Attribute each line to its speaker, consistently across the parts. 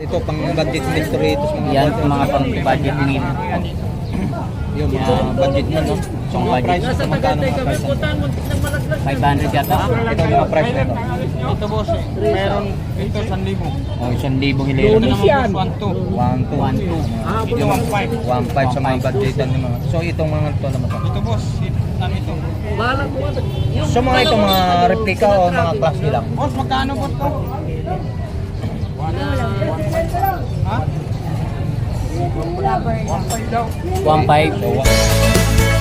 Speaker 1: Ito pang budget meal Doritos mga
Speaker 2: Yan mga pang budget meal.
Speaker 1: yung mga budget meal no. So mga price ito magkano mga price?
Speaker 2: 500 yata.
Speaker 1: Ito yung mga price nito.
Speaker 3: Ito boss, meron ito 1,000.
Speaker 1: Oh, 1,000 hilero.
Speaker 3: Ito naman boss,
Speaker 1: 1,2.
Speaker 3: 1,2. Ito 1,500.
Speaker 1: 1,500 sa mga budgetan ng mga. So itong mga ito naman to.
Speaker 3: Ito boss, ano ito?
Speaker 1: So mga ito mga replica o mga class lang.
Speaker 3: Boss, magkano boss to? Ha? 1,500 daw.
Speaker 2: 1.5.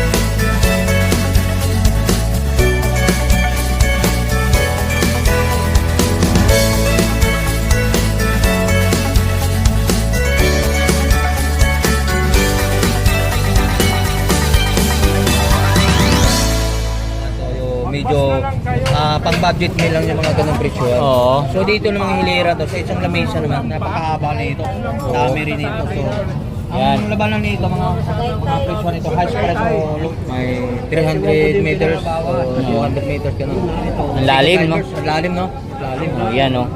Speaker 1: Medyo pang budget meal lang yung mga ganung presyo.
Speaker 2: Oo.
Speaker 1: So dito ng mga hilera to sa isang lamesa naman napakahaba na ito. Dami rin ito. So ang labanan nito mga presyo nito high price so may 300 meters o 200 meters ganun.
Speaker 2: Ang lalim no?
Speaker 1: Ang lalim no? Lalim.
Speaker 2: Oh, yan no.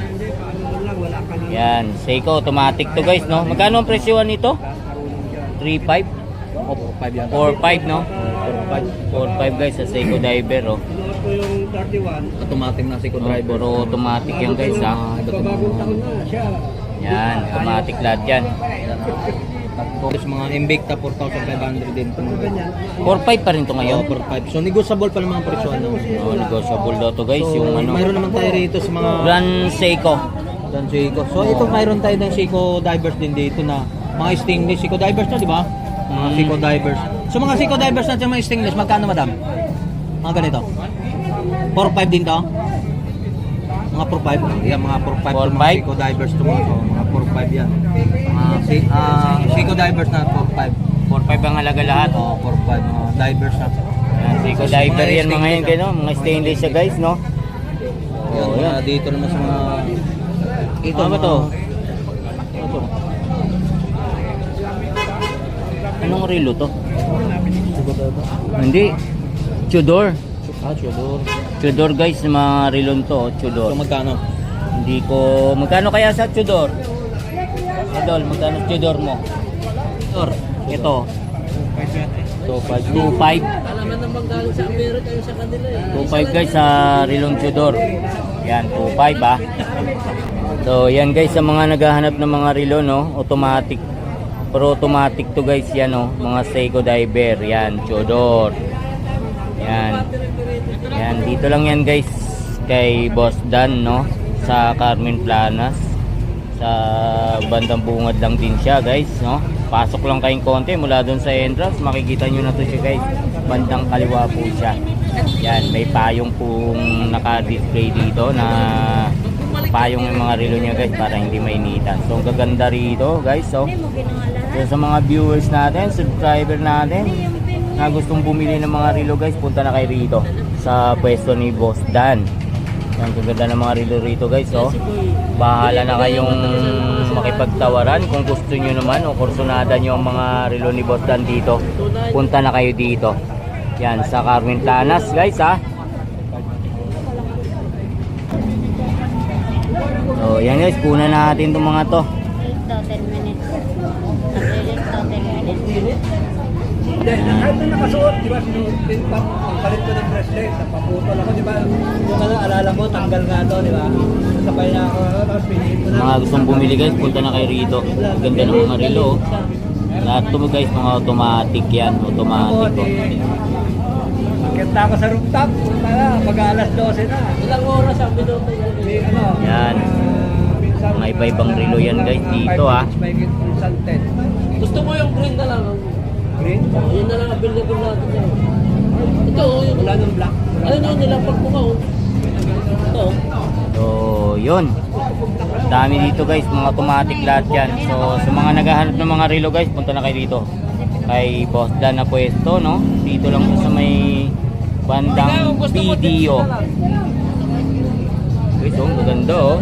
Speaker 2: Yan, Seiko automatic to guys no. Magkano ang presyohan nito? 3.5
Speaker 1: O 4-5 yan.
Speaker 2: 4.5 no? 4.5 guys sa Seiko diver oh.
Speaker 1: Automatic na si
Speaker 2: Driver
Speaker 1: driver.
Speaker 2: automatic yan guys ha. Yan, automatic lahat yan.
Speaker 1: Tapos mga Invicta 4,500 din ito mga.
Speaker 2: 4.5 pa rin to ngayon.
Speaker 1: 4-5. So negotiable pa naman ang presyo ano.
Speaker 2: Oh, negotiable daw to guys
Speaker 1: So,
Speaker 2: yung ano.
Speaker 1: mayroon naman tayo rito sa mga
Speaker 2: Brand Seiko.
Speaker 1: Dan Seiko. So ito mayroon tayo ng Seiko divers din dito na mga stainless Seiko divers na, di ba? Mga Seiko divers. So mga Seiko divers natin mga stainless, magkano madam? Mga ganito. 4-5 din to. Mga 4-5. Yan mga 4-5 to mga
Speaker 2: 4-5?
Speaker 1: Seiko divers to mga, mga 4-5 yan. Mga Seiko divers na 4-5.
Speaker 2: 4.5 ang halaga lahat.
Speaker 1: Oh, 4-5 mga divers na.
Speaker 2: Yan, Seiko
Speaker 1: Tapos
Speaker 2: diver
Speaker 1: mga
Speaker 2: yan mga yan
Speaker 1: stainless,
Speaker 2: gano, mga stainless siya guys no.
Speaker 1: Yan,
Speaker 2: Oh,
Speaker 1: mga
Speaker 2: yan.
Speaker 1: dito naman sa mga ito
Speaker 2: Ano ba to?
Speaker 1: Ito.
Speaker 2: Anong relo to? Hindi. Tudor.
Speaker 1: Tudor.
Speaker 2: Tudor guys, mga relon to, oh, Tudor.
Speaker 1: So magkano?
Speaker 2: Hindi ko, magkano kaya sa Tudor? Idol, magkano Tudor mo? Tudor, ito. 2.5.
Speaker 3: Alaman naman galing sa Amerika yung sa kanila eh.
Speaker 2: 2.5 guys sa relon Tudor. Yan, 2.5 ah. So yan guys, sa mga naghahanap ng mga relo no, automatic. Pero automatic to guys yan no, mga Seiko diver. Yan, Tudor. Yan. Yan, dito lang yan guys kay Boss Dan no, sa Carmen Planas. Sa bandang bungad lang din siya guys no. Pasok lang kayong konti mula doon sa entrance, makikita nyo na to siya guys. Bandang kaliwa po siya. Yan, may payong pong naka-display dito na payong yung mga relo niya guys para hindi mainitan. So ang gaganda rito guys. So sa mga viewers natin, subscriber natin na gustong bumili ng mga relo guys, punta na kayo rito sa pwesto ni Boss Dan. Ang gaganda ng mga relo rito guys. So bahala na kayong makipagtawaran kung gusto nyo naman o kursunada nyo ang mga relo ni Boss Dan dito. Punta na kayo dito. Yan sa Carmen Planas guys ha. So yan guys, kuna natin itong mga to.
Speaker 4: 10 minutes. Nag-release to 10 minutes.
Speaker 5: Kahit na nakasuot, di ba, ang palit ko ng bracelet, napaputol ako, di ba? Yung ano, alala mo, tanggal nga to, di ba? Sabay na ako, tapos pinihin ko na.
Speaker 2: Mga gustong bumili guys, punta na kayo rito. Ang ganda ng mga relo. Lahat to guys, mga automatic yan. Automatic to.
Speaker 5: Magkita ako sa rooftop, mag-alas 12 na.
Speaker 3: Ilang oras ang binoto yan?
Speaker 5: May ano,
Speaker 2: Yan. Mga iba-ibang relo yan guys dito ha.
Speaker 3: Gusto mo yung green na lang?
Speaker 5: Green?
Speaker 3: Yun na lang available natin yan. Ito oh, yung
Speaker 5: Wala nang black.
Speaker 3: ayun yung nilampag mo ka oh. Ito oh.
Speaker 2: So yun. Dami dito guys, mga automatic lahat yan. So sa mga naghahanap ng mga relo guys, punta na kayo dito. Kay Boss Dan na pwesto no. Dito lang sa may bandang video. Guys oh, maganda oh.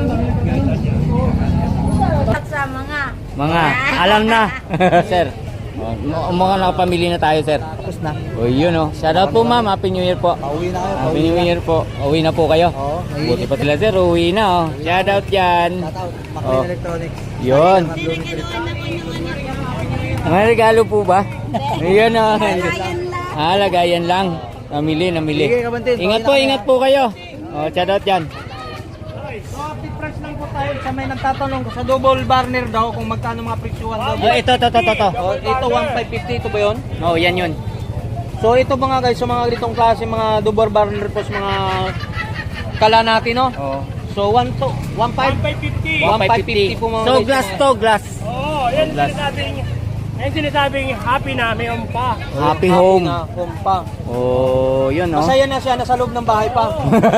Speaker 4: At sa mga
Speaker 2: Mga alam na sir. Mga nakapamili na tayo, sir.
Speaker 1: Tapos na.
Speaker 2: O yun oh. Shoutout po ma'am, Happy New Year po.
Speaker 1: Pauwi na kayo.
Speaker 2: Happy New Year po. Uwi na po kayo.
Speaker 1: Oo.
Speaker 2: Buti pa sila sir, uwi na oh. Shoutout yan.
Speaker 1: Shoutout.
Speaker 2: Oh.
Speaker 1: Maclean Electronics.
Speaker 2: Yun.
Speaker 4: Sino kinuha na po yung anak?
Speaker 2: Mga regalo po ba? Ayan oh.
Speaker 4: Ayan lang.
Speaker 2: Lagayan lang. Namili.
Speaker 1: Sige, Kabantin.
Speaker 2: Ingat po kayo. Oh, shoutout yan.
Speaker 1: So, update price lang po tayo sa may nagtatanong sa double burner daw kung magkano mga presyuhan daw.
Speaker 2: Oh, ito.
Speaker 1: Oh, ito 1,550 ito ba 'yon?
Speaker 2: Oh, yan yun.
Speaker 1: So ito mga guys, sa mga ganitong klase mga double burner po sa mga kala natin, no?
Speaker 2: Oh.
Speaker 1: So 1,550 po mga
Speaker 2: So,
Speaker 1: guys.
Speaker 2: glass to, glass.
Speaker 3: Oo, yan sinasabing happy na, may pa.
Speaker 2: Happy home.
Speaker 1: Na, home pa.
Speaker 2: Oh, yun oh.
Speaker 1: Masaya na siya, nasa loob ng bahay pa.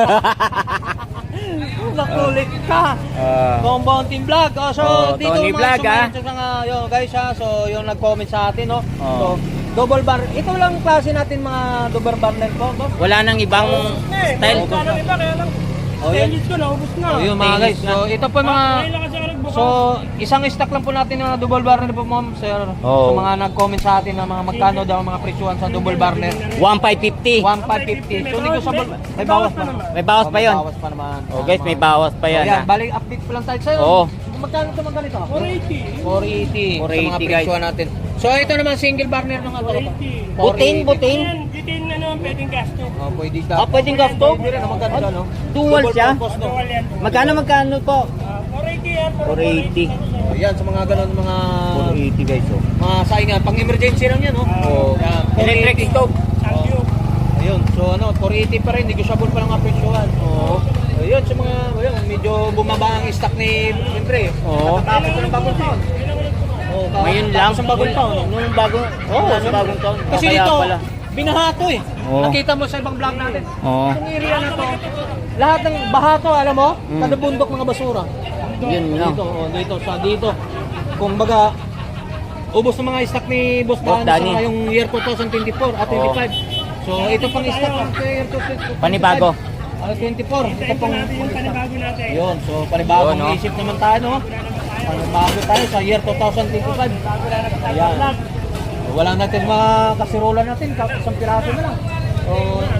Speaker 1: Nakulit ka. Compound Team Vlog. Oh, so dito
Speaker 2: Tony Vlog,
Speaker 1: yun guys ha. So yung nag-comment sa atin, no.
Speaker 2: Oh.
Speaker 1: So double bar. Ito lang klase natin mga double burner po, boss.
Speaker 2: Wala nang ibang style.
Speaker 3: Parang iba, kaya lang.
Speaker 1: Oh, yun.
Speaker 3: Stainless ko, naubos na.
Speaker 1: Oh, yun mga guys. So ito po mga
Speaker 3: Ngayon lang kasi ako nagbukas.
Speaker 1: So, isang stock lang po natin ng mga double burner po, ma'am, sir.
Speaker 2: Oo.
Speaker 1: So, mga nag-comment sa atin na mga magkano daw ang mga presyuhan sa double burner.
Speaker 2: 1,550.
Speaker 1: 1,550. So, negotiable. May bawas pa.
Speaker 2: May bawas pa yun.
Speaker 1: May bawas pa naman.
Speaker 2: Oh guys, may bawas pa yan.
Speaker 1: Ayan,
Speaker 2: Ha?
Speaker 1: balik update po lang tayo sa'yo.
Speaker 2: Oo.
Speaker 1: Magkano ito mga ganito?
Speaker 3: 480.
Speaker 1: 480.
Speaker 2: 480,
Speaker 1: sa mga
Speaker 2: guys.
Speaker 1: presyuhan natin. So, ito naman single burner ng ano.
Speaker 3: 480.
Speaker 2: Butin.
Speaker 3: Yan, bitin na naman, pwedeng gasto.
Speaker 1: Oh, pwede ka.
Speaker 2: Pwedeng gasto?
Speaker 1: Pwede rin, maganda, no?
Speaker 2: Dual siya?
Speaker 1: purpose, no?
Speaker 3: Bawal yan.
Speaker 2: Magkano po?
Speaker 3: 480 yan.
Speaker 2: 480.
Speaker 1: Oh, yan, sa mga ganun, mga
Speaker 2: 480 guys oh.
Speaker 1: mga saingan. Pang emergency lang yan, no?
Speaker 2: Oh.
Speaker 1: Yan,
Speaker 2: Electric
Speaker 1: 480.
Speaker 2: stove.
Speaker 3: Sangyup.
Speaker 1: Ayun, so ano, 480 pa rin, negotiable pa lang ang presyuhan. Oo. Ayun, sa mga, ayun, medyo bumaba ang stock ni, siyempre,
Speaker 2: Oo.
Speaker 1: tapos ko ng bagong taon. Oo,
Speaker 2: Ngayon lang.
Speaker 1: Tapos ang bagong taon.
Speaker 2: Nung bagong, sa bagong taon.
Speaker 1: Kasi
Speaker 2: Kaya
Speaker 1: dito,
Speaker 2: pala.
Speaker 1: binaha to eh.
Speaker 2: Oo.
Speaker 1: Nakita mo sa ibang vlog natin.
Speaker 2: Oo.
Speaker 1: Itong area na to, lahat ng baha to, alam mo, kada bundok mga basura.
Speaker 2: Yun lang.
Speaker 1: Dito. Kung baga, ubos ng mga stock ni Boss
Speaker 2: Boss
Speaker 1: Danny
Speaker 2: Danny.
Speaker 1: sa ngayong year 2024 at 25. So, ito pang stock ng year 2025.
Speaker 2: Panibago.
Speaker 1: 24. Ito
Speaker 3: Ito
Speaker 1: pang
Speaker 3: natin yung panibago natin.
Speaker 1: yun. So, panibagong
Speaker 2: Yun, no?
Speaker 1: isip naman tayo, no? Panibago tayo sa year 2025. Ayan. So, wala natin mga kasirola natin, isang piraso na lang. So,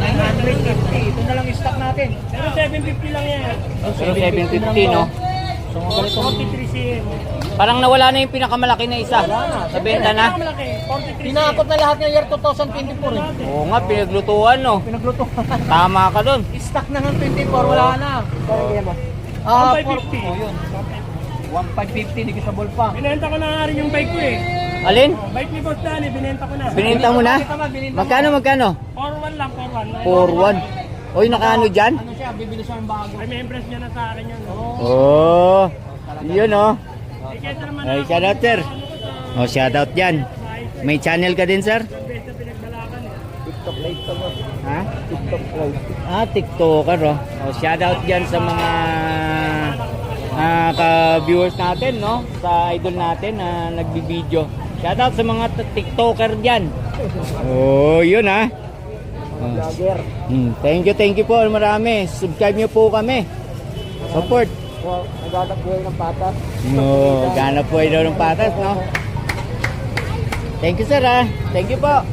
Speaker 1: 950. Ito na lang yung stock natin.
Speaker 3: Pero 750 lang yan.
Speaker 2: Pero 750 no?
Speaker 1: So, mga ganito.
Speaker 3: 43 cm.
Speaker 2: Parang nawala na yung pinakamalaki na isa. Sa benta na.
Speaker 3: Malaki, 43
Speaker 1: Tinakot na lahat ng year 2024 eh.
Speaker 2: Oo nga, pinaglutuan no.
Speaker 1: Pinagluto.
Speaker 2: Tama ka dun.
Speaker 1: Stock na ng 24, wala na. Ah,
Speaker 3: 1,550.
Speaker 1: Oh, yun. 1,550, negotiable pa.
Speaker 3: Binenta ko na nga rin yung bike ko eh.
Speaker 2: Alin?
Speaker 3: Bike ni Boss Danny, binenta ko na.
Speaker 2: Binenta mo na? Magkano?
Speaker 3: 4-1 lang, 4-1.
Speaker 2: 4-1. Oy, nakaano dyan?
Speaker 1: Ano siya, bibili siya ng bago.
Speaker 3: Ay, may impress niya na sa akin yun.
Speaker 2: Oh, yun oh.
Speaker 3: Eh, kesa naman
Speaker 2: Ay,
Speaker 3: ako,
Speaker 2: shoutout sir. Oh, shoutout dyan. May channel ka din sir?
Speaker 3: besta pinagbalakan eh.
Speaker 2: Ha? TikToker oh. Oh, shoutout dyan sa mga ka-viewers natin, no? Sa idol natin na nagbibideo. Shoutout sa mga TikToker dyan. Oh, yun ha. Oh. Thank you po marami. Subscribe niyo po kami. Support.
Speaker 1: Naghanap buhay ng patas.
Speaker 2: No, ganap po daw ng patas, no? Thank you sir ha. Thank you po.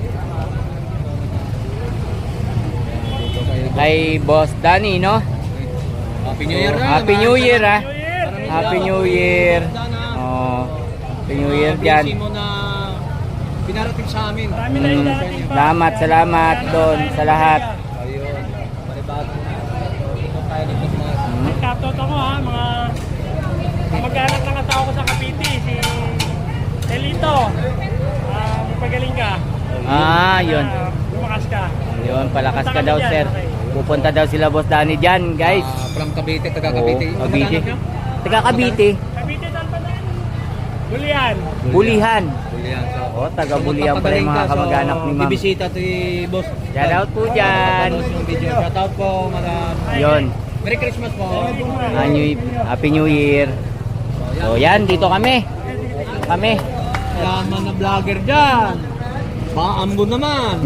Speaker 2: Kay Boss Danny, no?
Speaker 1: Happy New Year na.
Speaker 2: Happy New Year ha.
Speaker 3: New Year!
Speaker 2: Happy New Year. Oh, Happy New Year dyan.
Speaker 1: mo na pinarating sa amin.
Speaker 3: Marami na yung dating pa.
Speaker 2: Salamat doon sa lahat.
Speaker 1: Ayun. Panibagong ito tayo dito sa mga
Speaker 3: Shoutout ako ha, mga mag-anak ng asawa ko sa Cavite, si Elito. Magpagaling ka.
Speaker 2: Ah, yun.
Speaker 3: Lumakas ka.
Speaker 2: Yun, palakas ka daw sir. Pupunta daw sila Boss Danny dyan, guys.
Speaker 1: from Cavite, taga
Speaker 2: Oo,
Speaker 1: Cavite.
Speaker 2: Cavite. Taga Cavite.
Speaker 3: Cavite saan pa na? Bulian.
Speaker 2: Bulihan.
Speaker 1: Bulian. So,
Speaker 2: Oh, taga Bulihan pala yung mga kamag-anak ni ma'am.
Speaker 1: Bibisita to Boss.
Speaker 2: Shoutout po dyan.
Speaker 1: Shoutout po, mga
Speaker 2: Yun.
Speaker 1: Merry Christmas po.
Speaker 2: Happy New Year. So yan, dito kami.
Speaker 1: Yaman na vlogger dyan. Baambo naman.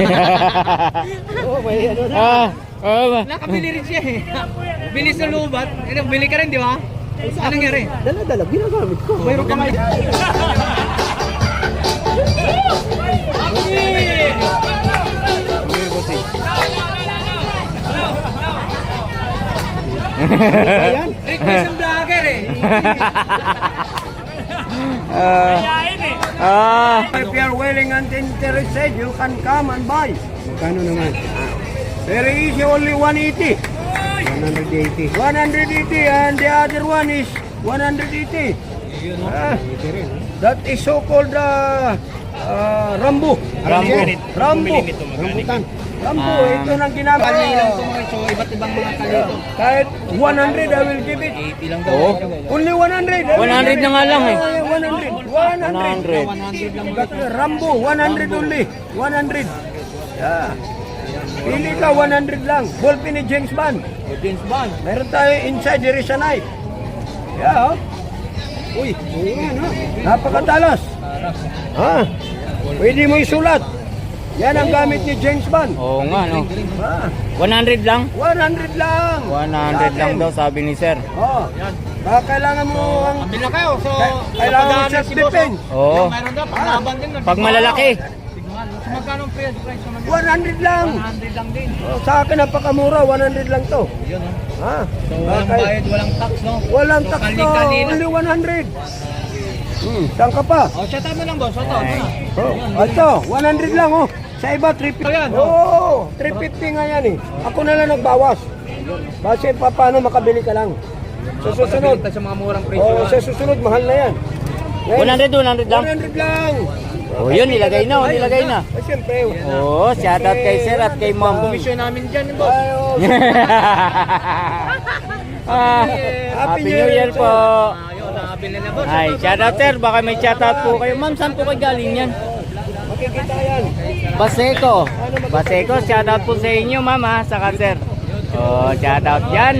Speaker 1: Nakabili rin siya eh. Bilis na lubat. Bili ka rin, di ba? Anong nangyari?
Speaker 5: Dala-dala, ginagamit ko.
Speaker 1: Mayroon ka
Speaker 5: Ayan, request ng vlogger eh.
Speaker 3: Kayain eh.
Speaker 5: If you are willing and interested, you can come and buy. Magkano naman? Very easy, only 180. 180. 180 and the other one is 180. That is so-called Rambo. Rambo. Rambutan. Rambo, ito nang ginagawa.
Speaker 1: So, iba't ibang mga kalito.
Speaker 5: Kahit 100, I will give it.
Speaker 1: 80 lang daw.
Speaker 5: Only 100.
Speaker 2: 100 na nga lang eh.
Speaker 5: 100.
Speaker 1: 100 lang.
Speaker 5: Rambo, 100 only. 100. Yeah. Pili ka, 100 lang. Ballpen ni James Bond.
Speaker 1: James Bond.
Speaker 5: Meron tayo inside, there is a knife. Yeah, oh. Uy, napakatalas. Ha? Pwede mo isulat. Yan ang gamit ni James Bond.
Speaker 2: Oo nga, no.
Speaker 5: Ha?
Speaker 2: 100 lang?
Speaker 5: 100 lang.
Speaker 2: 100 lang daw, sabi ni sir.
Speaker 5: Oh. Baka kailangan mo ang...
Speaker 1: Pila kayo. So,
Speaker 5: Kailangan mo self-defense.
Speaker 2: Oo.
Speaker 1: mayroon daw, panglaban din.
Speaker 2: Pag malalaki.
Speaker 1: So, magkano ang price naman?
Speaker 5: 100 lang.
Speaker 1: 100 lang din.
Speaker 5: Oh, sa akin napakamura, 100 lang to.
Speaker 1: Yun, no?
Speaker 5: Ha?
Speaker 1: So, walang
Speaker 5: Bakit?
Speaker 1: bayad, walang tax, no?
Speaker 5: Walang
Speaker 1: So,
Speaker 5: tax to,
Speaker 1: kali-kanina.
Speaker 5: only 100. Saan ka pa?
Speaker 1: Oh, shout out mo lang, boss. Shout out mo na.
Speaker 5: Oh, ito, 100 lang oh. Sa iba, 350.
Speaker 1: Ayan,
Speaker 5: Oo, 350 nga yan eh. Ako na lang nagbawas. Kasi paano makabili ka lang. Sa susunod,
Speaker 1: Pagkakita sa mga murang presyo.
Speaker 5: oh, sa susunod, mahal na yan.
Speaker 2: 100 lang?
Speaker 5: 100 lang.
Speaker 2: Oh, yun, nilagay na, nilagay na.
Speaker 5: Oh, siyempre.
Speaker 2: Oo, shoutout kay sir at kay ma'am.
Speaker 1: Komisyon namin dyan, boss.
Speaker 5: Ay, oh,
Speaker 2: Happy New Year po.
Speaker 1: Ayun, nakabili na, boss.
Speaker 2: Ay, shoutout sir, baka may shoutout po kayo. Ma'am, saan po kayo galing yan?
Speaker 5: makikita yan.
Speaker 2: Baseco. Baseco, shoutout po sa inyo ma'am ha, saka sir. Oh, shoutout yan.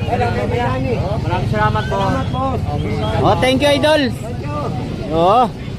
Speaker 1: Maraming salamat po.
Speaker 5: Salamat, boss.
Speaker 2: Oh, thank you idol. Oh,